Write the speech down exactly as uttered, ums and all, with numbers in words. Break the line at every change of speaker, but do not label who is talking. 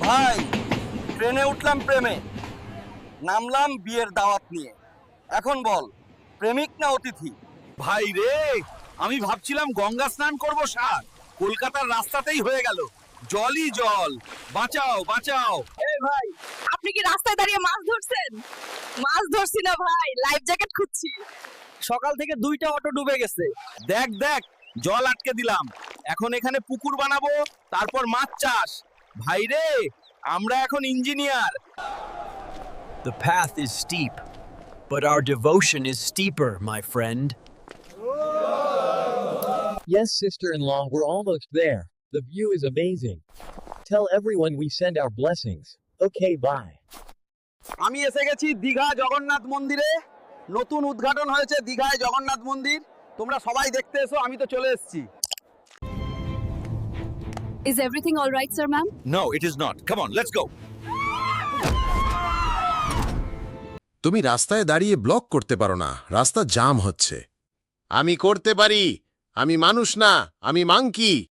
ভাই ট্রেনে উঠলাম প্রেমে, নামলাম বিয়ের দাওয়াত নিয়ে। এখন বল প্রেমিক না অতিথি?
ভাই রে, আমি ভাবছিলাম গঙ্গা স্নান করব সার, কলকাতার রাস্তাতেই হয়ে গেল জলই জল। বাঁচাও বাঁচাও।
এই ভাই, আপনি কি রাস্তায় দাঁড়িয়ে মাছ ধরছেন? মাছ ধরছি না ভাই, লাইফ জ্যাকেট খুঁজছি।
সকাল থেকে দুইটা অটো ডুবে গেছে।
দেখ দেখ, জল আটকে দিলাম, এখন এখানে পুকুর বানাবো, তারপর মাছ চাষ। ভাই রে, আমরা এখন engineer.
The path is steep, but our devotion is steeper, my friend.
Yes, sister-in-law, we're almost there. The view is amazing. Tell everyone we send our blessings. Okay, bye.
আমি এসে গেছি দীঘা জগন্নাথ মন্দিরে। নতুন উদ্ঘাটন হয়েছে দীঘায় জগন্নাথ মন্দির। তোমরা সবাই দেখতে এসো, আমি তো চলে এসেছি।
Is everything all right, sir, ma'am?
No, it is not. Come on, let's go.
তুমি রাস্তায় দাঁড়িয়ে ব্লক করতে পারো না, রাস্তা জাম হচ্ছে। আমি করতে পারি, আমি মানুষ না, আমি মাংকি।